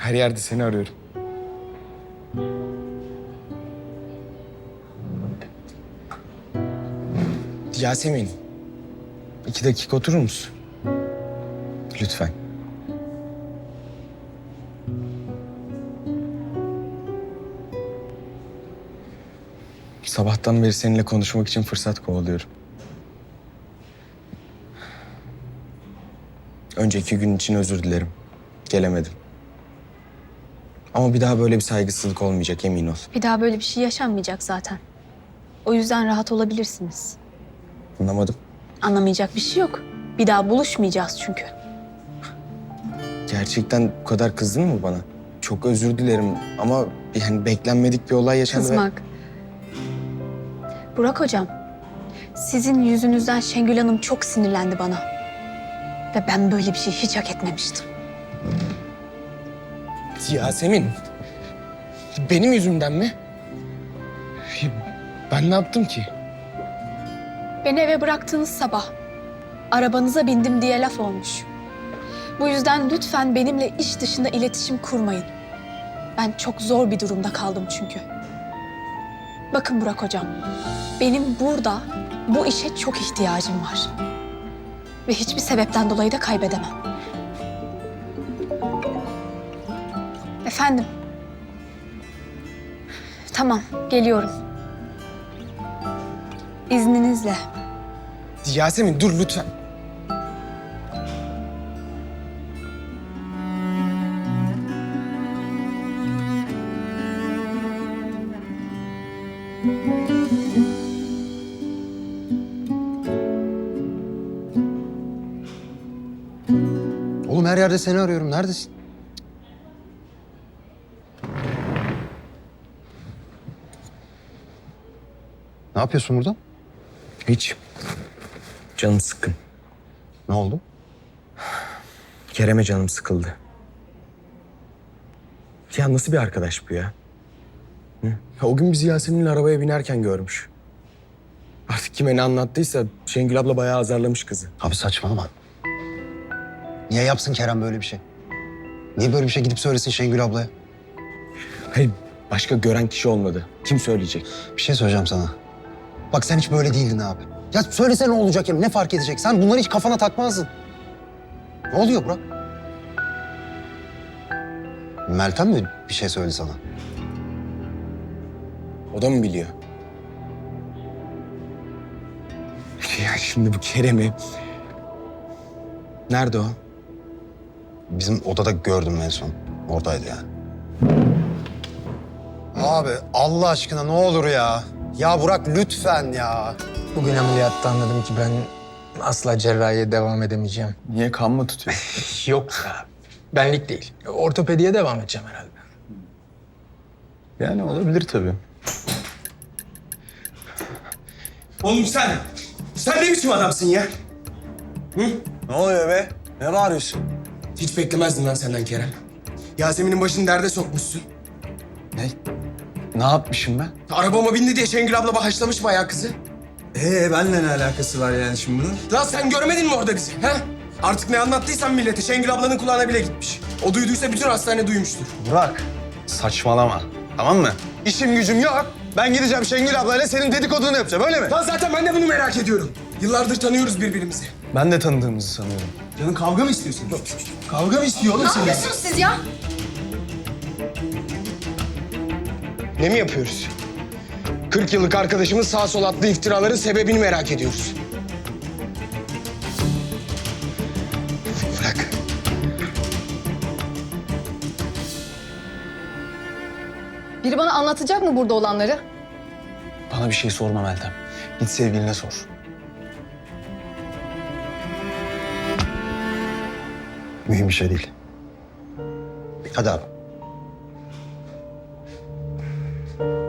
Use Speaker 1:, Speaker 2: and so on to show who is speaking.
Speaker 1: Her yerde seni arıyorum. Yasemin, 2 dakika oturur musun? Lütfen. Sabahtan beri seninle konuşmak için fırsat kovalıyorum. Önceki gün için özür dilerim. Gelemedim. Ama bir daha böyle bir saygısızlık olmayacak, emin ol.
Speaker 2: Bir daha böyle bir şey yaşanmayacak zaten. O yüzden rahat olabilirsiniz.
Speaker 1: Anlamadım.
Speaker 2: Anlamayacak bir şey yok. Bir daha buluşmayacağız çünkü.
Speaker 1: Gerçekten bu kadar kızdın mı bana? Çok özür dilerim ama yani beklenmedik bir olay yaşandı.
Speaker 2: Kızmak. Burak hocam, sizin yüzünüzden Şengül Hanım çok sinirlendi bana. Ve ben böyle bir şey hiç hak etmemiştim.
Speaker 1: Yasemin, benim yüzümden mi? Ben ne yaptım ki?
Speaker 2: Beni eve bıraktığınız sabah arabanıza bindim diye laf olmuş. Bu yüzden lütfen benimle iş dışında iletişim kurmayın. Ben çok zor bir durumda kaldım çünkü. Bakın Burak hocam, benim burada bu işe çok ihtiyacım var. Ve hiçbir sebepten dolayı da kaybedemem. Efendim? Tamam, geliyorum. İzninizle.
Speaker 1: Yasemin dur lütfen.
Speaker 3: Oğlum her yerde seni arıyorum. Neredesin? Ne yapıyorsun burada?
Speaker 1: Hiç. Canım sıkkın.
Speaker 3: Ne oldu?
Speaker 1: Kerem'e canım sıkıldı. Ya nasıl bir arkadaş bu ya? Hı? Ya o gün bizi Yasemin'le arabaya binerken görmüş. Artık kime ne anlattıysa Şengül abla bayağı azarlamış kızı.
Speaker 3: Abi saçmalama. Niye yapsın Kerem böyle bir şey? Niye böyle bir şey gidip söylesin Şengül ablaya?
Speaker 1: Hayır, başka gören kişi olmadı. Kim söyleyecek?
Speaker 3: Bir şey söyleyeceğim sana. Bak sen hiç böyle değildin abi. Ya söylese ne olacak ya? Ne fark edecek? Sen bunları hiç kafana takmazdın. Ne oluyor Burak? Meltem mi bir şey söyledi sana?
Speaker 1: O da mı biliyor? Ya şimdi bu Kerem'i... Nerede o?
Speaker 3: Bizim odada gördüm en son. Oradaydı yani. Abi Allah aşkına ne olur ya. Ya Burak lütfen ya.
Speaker 4: Bugün ameliyatta anladım ki ben asla cerrahiye devam edemeyeceğim.
Speaker 1: Niye kan mı tutuyor?
Speaker 4: Yok ya. Benlik değil. Ortopediye devam edeceğim herhalde.
Speaker 1: Yani olabilir tabii. Oğlum sen ne biçim adamsın ya?
Speaker 5: Ne oluyor be? Ne bağırıyorsun?
Speaker 1: Hiç beklemezdim lan senden Kerem. Yasemin'in başını derde sokmuşsun.
Speaker 5: Ne yapmışım ben?
Speaker 1: Arabama bindi diye Şengül abla haşlamış bayağı kızı.
Speaker 5: Benimle ne alakası var yani şimdi bunun?
Speaker 1: Lan sen görmedin mi orada bizi? He? Artık ne anlattıysan millete Şengül ablanın kulağına bile gitmiş. O duyduysa bütün hastane duymuştur.
Speaker 5: Burak, saçmalama. Tamam mı? İşim gücüm yok. Ben gideceğim Şengül ablayla senin dedikodunu yapacağım, öyle mi?
Speaker 1: Lan zaten ben de bunu merak ediyorum. Yıllardır tanıyoruz birbirimizi.
Speaker 5: Ben de tanıdığımızı sanıyorum.
Speaker 1: Canın kavga mı istiyorsun? Kavga mı istiyor oğlum senin?
Speaker 2: siz ya?
Speaker 1: Ne mi yapıyoruz? 40 yıllık arkadaşımız sağ sol attığı iftiraların sebebini merak ediyoruz. Bırak.
Speaker 6: Biri bana anlatacak mı burada olanları?
Speaker 5: Bana bir şey sorma Meltem. Git sevgiline sor.
Speaker 3: Mühim bir şey değil. Hadi abi.